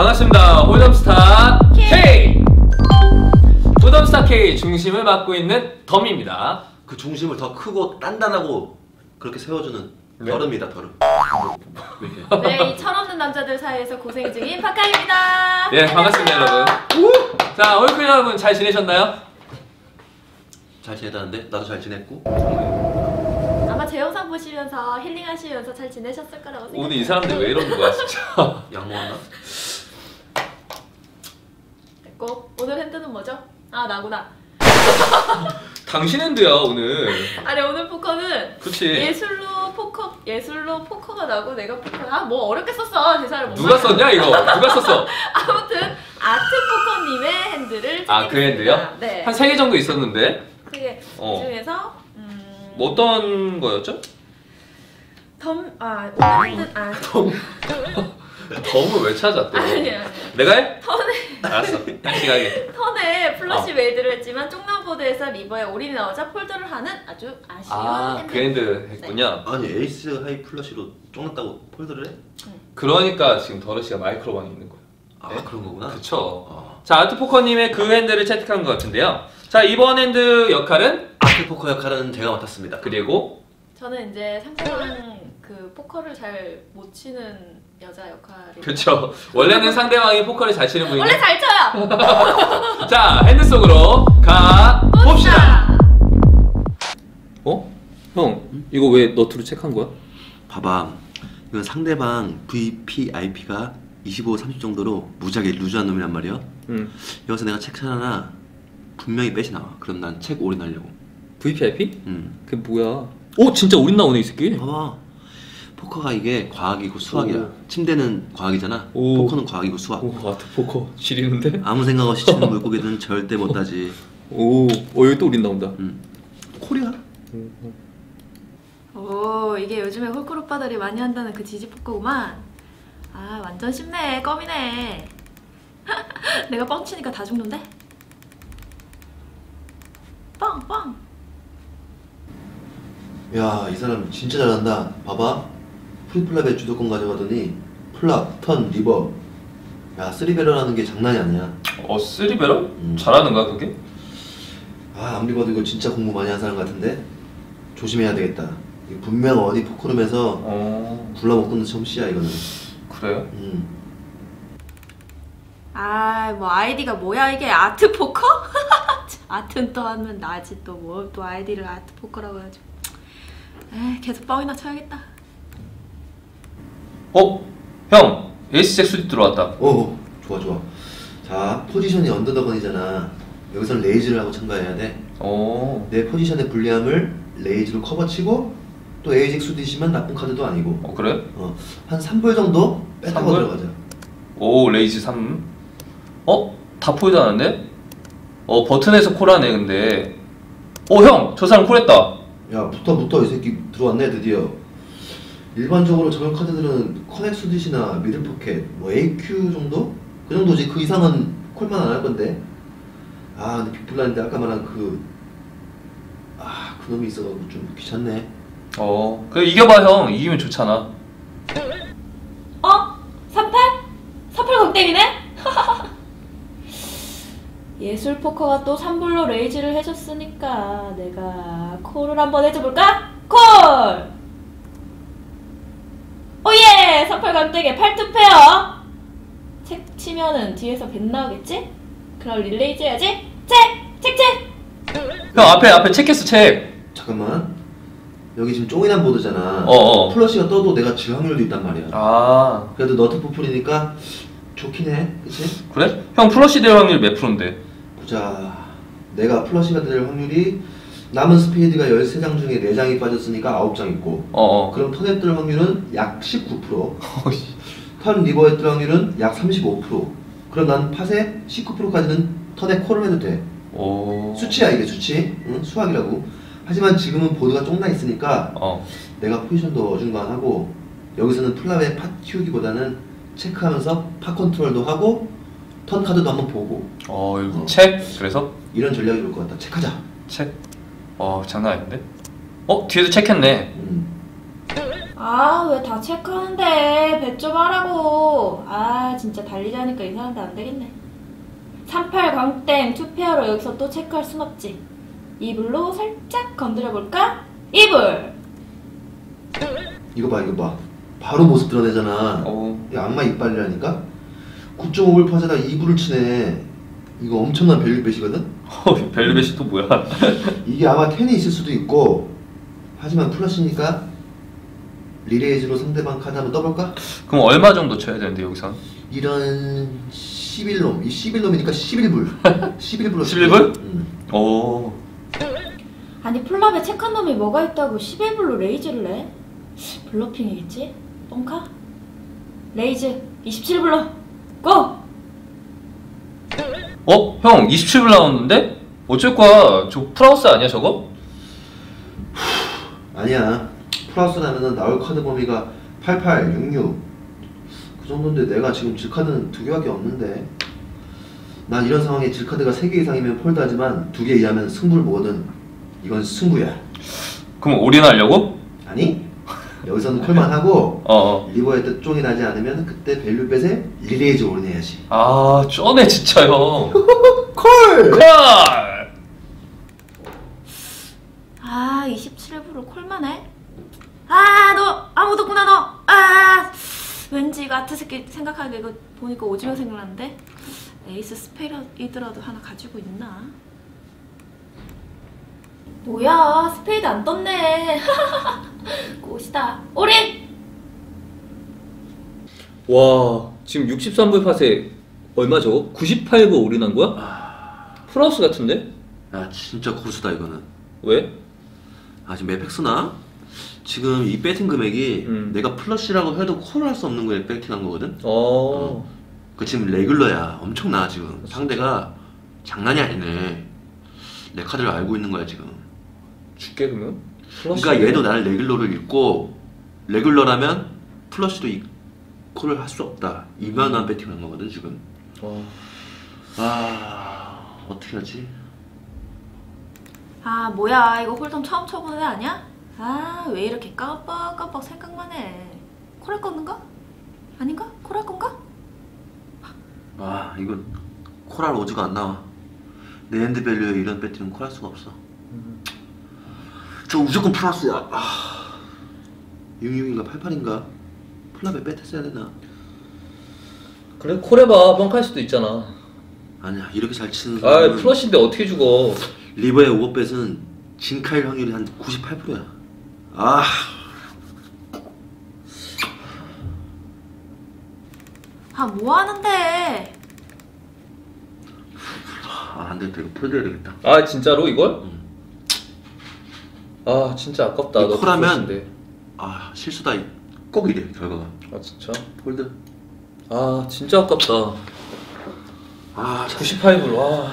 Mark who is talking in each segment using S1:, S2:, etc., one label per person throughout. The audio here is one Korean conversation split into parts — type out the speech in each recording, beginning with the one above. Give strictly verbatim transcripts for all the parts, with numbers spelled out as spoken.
S1: 반갑습니다. 홀덤스타 K! 홀덤스타 K 중심을 맡고 있는 덤입니다.
S2: 그 중심을 더 크고 단단하고 그렇게 세워주는
S1: 네?
S2: 더릅니다, 더릅.
S3: 네, 이 철없는 남자들 사이에서 고생 중인 파카입니다.
S1: 예, 반갑습니다, 여러분. 자, 홀크 여러분 잘 지내셨나요?
S2: 잘 지내다는데? 나도 잘 지냈고.
S3: 아마 제 영상 보시면서 힐링하시면서 잘 지내셨을 거라고 생각해요.
S1: 오늘 이 사람들 왜 이러는 거야, 진짜.
S2: 약 먹었나?
S3: 됐고, 오늘 핸드는 뭐죠? 아, 나구나.
S1: 당신 핸드야, 오늘.
S3: 아니, 오늘 포커는
S1: 그치.
S3: 예술로 포커, 예술로 포커가 나고 내가 포커. 아, 뭐 어렵게 썼어. 대사를 못
S1: 누가 썼냐, 이거? 누가 썼어?
S3: 아무튼 아트 포커님의 핸드를
S1: 아, 그 핸드요?
S3: 네.
S1: 한 세 개 정도 있었는데.
S3: 그게
S1: 어.
S3: 그 중에서 음...
S1: 뭐 어떤 거였죠?
S3: 덤... 아, 오늘 핸드... 아,
S1: 덤. 덤을 왜 찾아, 또?
S3: 아니, 아니.
S1: 내가 해?
S3: 턴에
S1: 알았어. 당신하게.
S3: 턴에 플러시
S1: 어.
S3: 메이드를 했지만 쪽남보드에서 리버에 올인이 나오자 폴더를 하는 아주 아쉬운
S1: 아,
S3: 핸드.
S1: 그 핸드 했군요.
S2: 아니, 에이스 하이 플러시로 쫑났다고 폴더를 해?
S1: 그러니까 지금 더러시가 마이크로방에 있는 거예요.
S2: 아,
S1: 네?
S2: 그런 거구나.
S1: 그쵸.
S2: 어.
S1: 자, 아트포커님의 그 핸드를 채택한 것 같은데요. 자, 이번 핸드 역할은
S2: 아트 포커 역할은 제가 맡았습니다.
S1: 그리고
S3: 저는 이제 상대방 그 포커를 잘 못 치는 여자 역할이.
S1: 그쵸. 원래는 상대방이 포커를 잘 치는 분인데
S3: 원래 잘 쳐요.
S1: 자, 핸드 속으로 가 봅시다. 어? 형, 이거 왜 너트로 체크한 거야?
S2: 봐봐. 이건 상대방 브이피아이피가 이십오, 삼십 정도로 무지하게 루즈한 놈이란 말이야.
S1: 응.
S2: 여기서 내가 책 하나 분명히 빼시 나와. 그럼 난 책 올인하려고.
S1: 브이피아이피?
S2: 응.
S1: 그게 뭐야? 오, 진짜 올인 나오네, 이 새끼.
S2: 봐봐. 포커가 이게 과학이고 수학이야.
S1: 오.
S2: 침대는 과학이잖아.
S1: 오.
S2: 포커는 과학이고 수학.
S1: 오, 아트포커 지리는데?
S2: 아무 생각 없이 치는 물고기는 절대 못 따지.
S1: 오, 어, 여기 또 올인 나온다.
S2: 응. 코리아?
S3: 오, 이게 요즘에 홀클 오빠들이 많이 한다는 그 지지 포커구만. 아, 완전 쉽네. 껌이네. 내가 뻥 치니까 다 죽는데? 뻥, 뻥.
S2: 야, 이 사람 진짜 잘한다. 봐봐. 프리플랍에 주도권 가져가더니 플랍, 턴, 리버. 야, 쓰리베러라는 게 장난이 아니야.
S1: 어, 쓰리베러?
S2: 음.
S1: 잘하는가, 그게?
S2: 아, 아무리 봐도 이거 진짜 공부 많이 한 사람 같은데? 조심해야 되겠다. 이거 분명 어디 포커룸에서
S1: 어,
S2: 굴러먹던 솜씨야, 이거는.
S1: 그래요?
S2: 음.
S3: 아, 뭐 아이디가 뭐야 이게? 아트 포커? 아트는 또 하면 나지 또 뭐 또 아이디를 아트 포커라고 해가지고. 에이, 계속 뻥이나 쳐야겠다.
S1: 어? 형! 에이스잭 수립 들어왔다.
S2: 어, 좋아, 좋아. 자, 포지션이 언더더건이잖아. 여기서는 레이즈를 하고 참가해야 돼.
S1: 오,
S2: 내 포지션의 불리함을 레이즈로 커버치고 또 에이직 수디시면 나쁜 카드도 아니고.
S1: 어, 그래?
S2: 어, 한 삼 불 정도 뺐다고
S1: 삼 불?
S2: 들어가자.
S1: 오, 레이즈 삼. 어? 다 포이드 하는데? 어, 버튼에서 콜하네, 근데. 오, 형! 저 사람 콜했다.
S2: 야, 붙어 붙어. 이 새끼 들어왔네 드디어. 일반적으로 저런 카드들은 커넥 수디시나 미들 포켓, 뭐 에이큐 정도? 그 정도지. 그 이상은 콜만 안 할 건데. 아, 근데 빅블라인데 아까 말한 그... 아, 그놈이 있어가지고 좀 귀찮네.
S1: 어, 그래, 이겨봐, 형. 이기면 좋잖아.
S3: 어? 삼팔? 삼팔 강땡이네? 예술 포커가 또 삼 불로 레이즈를 해줬으니까 내가 콜을 한번 해줘볼까? 콜! 오예! 삼팔 강땡에 팔 투 페어! 책 치면은 뒤에서 뱃 나오겠지? 그럼 릴레이즈 해야지? 책! 책! 책!
S1: 형, 앞에, 앞에 체크했어, 책.
S2: 잠깐만. 여기 지금 쪼이난 보드잖아.
S1: 어어.
S2: 플러시가 떠도 내가 질 확률도 있단 말이야.
S1: 아,
S2: 그래도 너트 포플이니까 좋긴 해. 그치?
S1: 그래? 형, 플러시 될 확률 몇 프로인데?
S2: 보자. 내가 플러시가 될 확률이 남은 스페이드가 열세 장 중에 네 장이 빠졌으니까 아홉 장 있고,
S1: 어어.
S2: 그럼 턴에 뜰 확률은 약 십구 퍼센트, 턴 리버에 뜰 확률은 약 삼십오 퍼센트. 그럼 난 팟에 십구 퍼센트까지는 턴에 콜을 해도 돼.
S1: 오.
S2: 수치야, 이게 수치. 응? 수학이라고. 하지만 지금은 보드가 쫑나 있으니까
S1: 어.
S2: 내가 포지션도 어중간하고, 여기서는 플랍의 팟 키우기보다는 체크하면서 팟 컨트롤도 하고 턴 카드도 한번 보고.
S1: 어, 이거
S2: 어.
S1: 책? 그래서?
S2: 이런 전략이 좋을 것 같다. 체크하자.
S1: 책? 어, 장난 아닌데? 어? 뒤에도 체크했네.
S2: 음.
S3: 아, 왜 다 체크하는데? bet 좀 하라고. 아, 진짜 달리자니까 이상한데 안 되겠네. 삼팔 광땡 투페어로 여기서 또 체크할 순 없지. 이불로 살짝 건드려볼까? 이불!
S2: 이거 봐 이거 봐 바로 모습 드러내잖아.
S1: 어.
S2: 이거 악마 이빨이라니까? 구 점 오 불 퍼세다 이 불을 치네. 이거 엄청난 밸류벳이거든?
S1: 어, 벨벳이 또 뭐야?
S2: 이게 아마 텐이 있을 수도 있고, 하지만 플러시니까 리레이즈로 상대방 카드 한번 떠볼까?
S1: 그럼 얼마 정도 쳐야 되는데 여기선?
S2: 이런 십일 놈, 이 십일 놈이니까 십일 불 십일 불로
S1: 십일 불?
S2: 응.
S1: 오.
S3: 아니 플랍에 체크한 놈이 뭐가 있다고 십일 불로 레이즈를 내? 블러핑이겠지? 뻥카? 레이즈 이십칠 불로 고!
S1: 어? 형 이십칠 불 나왔는데? 어쩔 거야? 저 프라우스 아니야 저거?
S2: 아니야. 플러스 나면은 나올 카드 범위가 팔팔, 육육 그 정도인데 내가 지금 질카드는 두 개밖에 없는데. 난 이런 상황에 질카드가 세 개 이상이면 폴드하지만 두 개 이하면 승부를 보거든. 이건 승부야.
S1: 그럼 올인하려고?
S2: 아니? 여기서는 콜만 하고
S1: 어어.
S2: 리버의 뜻종이 나지 않으면 그때 밸류벳에 리레이즈 올인해야지.
S1: 아 쩌네 진짜 형.
S2: 콜!
S1: 콜!
S3: 아 이십칠 불로 콜만 해? 아 너 아무도 없구나 너! 아 왠지 이거 아트 새끼 생각하니까 이거 보니까 오징어 생각나는데? 에이스 스페이드라도 하나 가지고 있나? 뭐야 스페이드 안 떴네. 꽃이다. 올인!
S1: 와 지금 육십삼 불 팟에 얼마 저거? 구십팔 불 올인한 거야? 플러스 같은데?
S2: 야 진짜 고수다 이거는.
S1: 왜?
S2: 아 지금 에펙스나? 지금 이 배팅 금액이
S1: 음.
S2: 내가 플러시라고 해도 콜을 할 수 없는 거에 배팅한 거거든?
S1: 어.
S2: 그 지금 레귤러야. 엄청나 지금. 상대가 장난이 아니네. 내 카드를 알고 있는 거야 지금.
S1: 줄게 그러면? 플러스
S2: 그러니까 얘도 나를 레귤러를 읽고 레귤러라면 플러시도 이 콜을 할 수 없다. 이만한 배팅을 한 거거든 지금.
S1: 어.
S2: 아 어떻게 하지?
S3: 아 뭐야 이거 홀덤 처음 쳐보는 애 아니야? 아 왜 이렇게 깜빡깜빡 생각만 해. 콜할 건가? 아닌가? 콜할 건가?
S2: 아 이건 콜할 오즈가 안 나와. 내 핸드 밸류에 이런 배팅은 콜할 수가 없어.
S1: 음.
S2: 저 무조건 플러스야. 아, 육육인가 팔팔인가? 플랍에 뺏었어야 되나?
S1: 그래 콜해봐 뻥할 수도 있잖아.
S2: 아니야 이렇게 잘 치는
S1: 아
S2: 사람은
S1: 플러시인데 어떻게 죽어?
S2: 리버의 오버뱃은 진카일 확률이 한 구십팔 퍼센트야. 아,
S3: 아 뭐하는데?
S2: 아 안되겠다. 이거 풀어줘야 되겠다.
S1: 아 진짜로 이걸?
S2: 응.
S1: 아 진짜 아깝다.
S2: 이
S1: 너
S2: 콜하면
S1: 플러시인데.
S2: 아 실수다. 꼭 이래 결과가.
S1: 아 진짜?
S2: 폴드.
S1: 아 진짜 아깝다.
S2: 아
S1: 구십팔 불 와.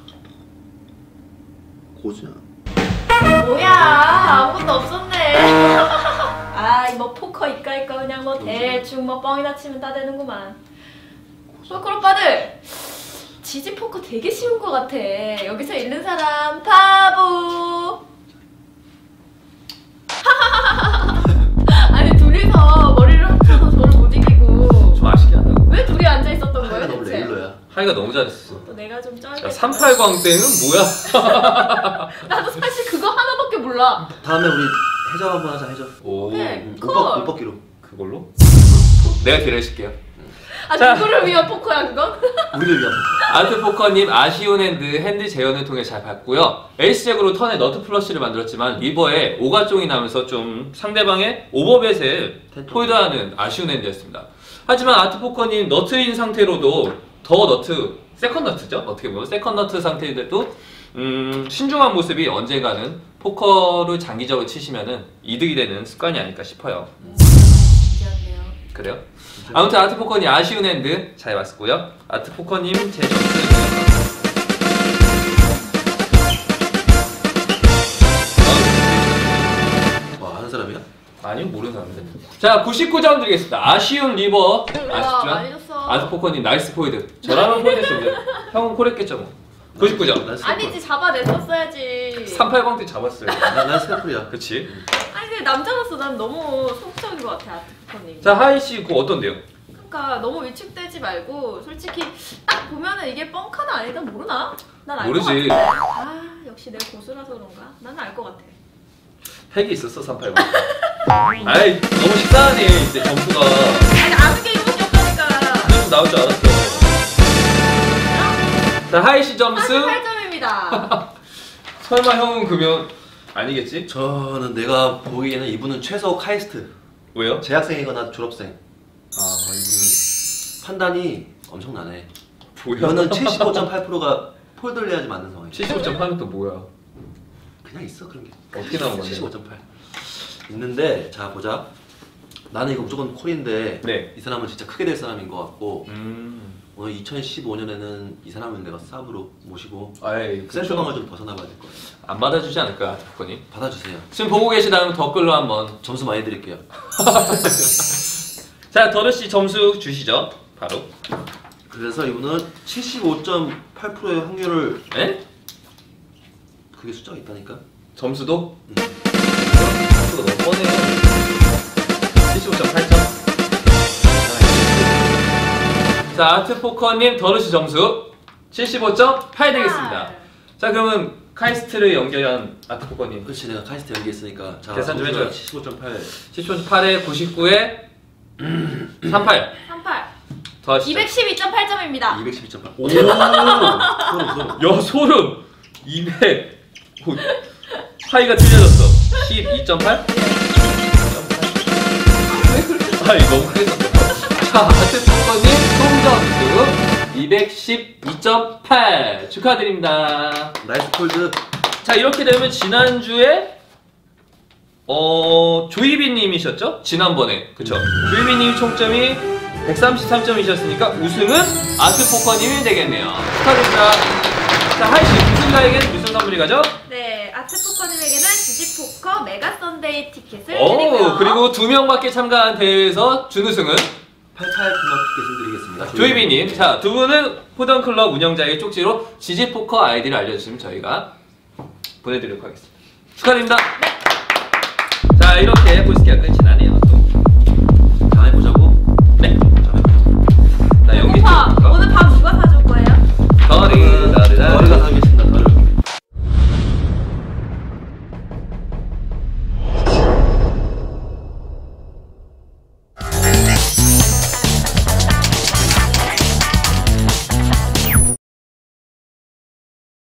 S2: 고수야.
S3: 뭐야 아무것도 없었네. 아 뭐 포커 이까 이까 그냥 뭐 대충 뭐 뻥이나 치면 다 되는구만. 포커 오빠들 지지 포커 되게 쉬운 것 같아. 여기서 잃는 사람 바보. 아니 둘이서 머리를 합쳐서 저를 못 이기고
S1: 좀 아쉽게 하다.
S3: 왜 둘이 앉아 있었던 거야
S2: 하이가 너무
S3: 대체?
S2: 레귤러야.
S1: 하이가 너무 잘했어.
S3: 또 내가 좀 쩔겠다.
S1: 야, 삼팔 광땡은 뭐야?
S3: 나도 사실 그거 하나밖에 몰라.
S2: 다음에 우리 해적 한번 하자 해적.
S1: 오.
S3: 오케이.
S2: 응,
S3: 콜.
S2: 못, 벗, 못 벗기로.
S1: 그걸로? 내가 딜을 해줄게요.
S3: 아
S1: 자.
S3: 누구를 위한 포커야 그건?
S2: 우리를 위한.
S1: 아트포커님 아쉬운 핸드 핸드 재현을 통해 잘 봤고요. 에이스잭으로 턴에 너트 플러시를 만들었지만 리버에 오가종이 나면서 좀 상대방의 오버벳을 폴드하는 아쉬운 핸드였습니다. 하지만 아트포커님 너트인 상태로도 더 너트 세컨 너트죠? 어떻게 보면 세컨 너트 상태인데도 음, 신중한 모습이 언젠가는 포커를 장기적으로 치시면은 이득이 되는 습관이 아닐까 싶어요.
S3: 진지한데요.
S1: 그래요? 아무튼 아트포커님 아쉬운 핸드 잘 봤고요. 아트포커님 제 점수
S2: 와 하는 사람이야?
S1: 아니요 모르는 사람인데. 자 구십구 점 드리겠습니다. 아쉬운 리버
S3: 와 많이
S1: 아쉽죠?
S3: 줬어.
S1: 아트포커님 나이스 포이드. 저라면 콜했습니다. 형은 콜했겠죠 뭐. 구십구 점.
S2: 난 스테이플.
S3: 아니지 잡아냈었어야지.
S1: 삼팔공 때 잡았어요.
S2: 난, 난 스테이플이야.
S1: 그치?
S3: 아니 근데 남자로서 난 너무 소극적인 것 같아 아트포커님.
S1: 자, 하이 씨 그거 어떤데요?
S3: 그러니까 너무 위축되지 말고 솔직히 딱 보면은 이게 뻥카나 아니다 모르나? 난 알 것
S1: 모르지.
S3: 같은데. 아 역시 내가 고수라서 그런가? 나는 알 것 같아.
S1: 핵이 있었어, 삼팔공. 아이, 너무 식상하네, 이제 점수가.
S3: 아니 아는 게 이거밖에 없다니까.
S1: 그래서 나올 줄 알았어. 자, 하이 씨 점수.
S3: 사십팔 점입니다.
S1: 설마 형은 그러면 아니겠지?
S2: 저는 내가 보기에는 이분은 최소 카이스트.
S1: 왜요?
S2: 재학생이거나 졸업생. 아 이분은 판단이 엄청나네.
S1: 뭐야?
S2: 이거는 칠십오 점 팔 퍼센트가 폴더를 해야지 맞는 상황이야.
S1: 칠십오 점 팔은 또 뭐야?
S2: 그냥 있어 그런 게.
S1: 어떻게 나온 건데?
S2: 칠십오 점 팔. 있는데 자 보자. 나는 이거 무조건 콜인데
S1: 네.
S2: 이 사람은 진짜 크게 될 사람인 것 같고
S1: 음.
S2: 오늘 이천십오 년에는 이 사람을 내가 쌉으로 모시고
S1: 아이,
S2: 센터방을 좀 벗어나봐야 될 것 같아.
S1: 안 받아주지 않을까, 작가님?
S2: 받아주세요.
S1: 지금 보고 계시다면 댓글로 한번.
S2: 점수 많이 드릴게요.
S1: 자, 더르 씨 점수 주시죠. 바로.
S2: 그래서 이분은 칠십오 점 팔 퍼센트의 확률을
S1: 에?
S2: 그게 숫자가 있다니까.
S1: 점수도?
S2: 음.
S1: 점수가 너무 뻔해요. 칠십오 점 팔 점. 자, 아트포커님 더르 씨 점수 칠십오 점 팔 되겠습니다. 자, 그러면 카이스트를 연결한 아트포커님.
S2: 그렇지 내가 카이스트 연기했으니까. 자,
S1: 계산 좀 해줘요.
S2: 칠십오 점 팔.
S1: 칠십오 점 팔에 구십구에 삼십팔.
S3: 삼십팔.
S1: 더하시죠.
S3: 이백십이 점 팔 점입니다.
S2: 이백십이 점 팔.
S1: 오!
S2: 소름 소름.
S1: 야, 소름! 이백. 오, 하이가 틀려졌어. 십이 점 팔? 아이, 너무 크게 썼어. 자, 아트포커님 총점수 이백십이 점 팔 축하드립니다.
S2: 나이스 콜드.
S1: 자, 이렇게 되면 지난주에 어 조이비님이셨죠? 지난번에 그쵸? 조이비님 총점이 백삼십삼 점이셨으니까 우승은 아트포커님이 되겠네요. 축하드립니다. 자, 하이씨 우승자에게는 무슨 선물이 가죠?
S3: 네, 아트포커님에게는 지지포커 메가 썬데이 티켓을
S1: 오,
S3: 드리고요.
S1: 그리고 두 명밖에 참가한 대회에서 준우승은
S2: 팔팔 클럽 티켓을 드리겠습니다.
S1: 조이비님. 자, 두 분은 포던클럽 운영자의 쪽지로 지지포커 아이디를 알려주시면 저희가 보내드리도록 하겠습니다. 축하드립니다. 자, 이렇게 볼스키가 끝이 나네요.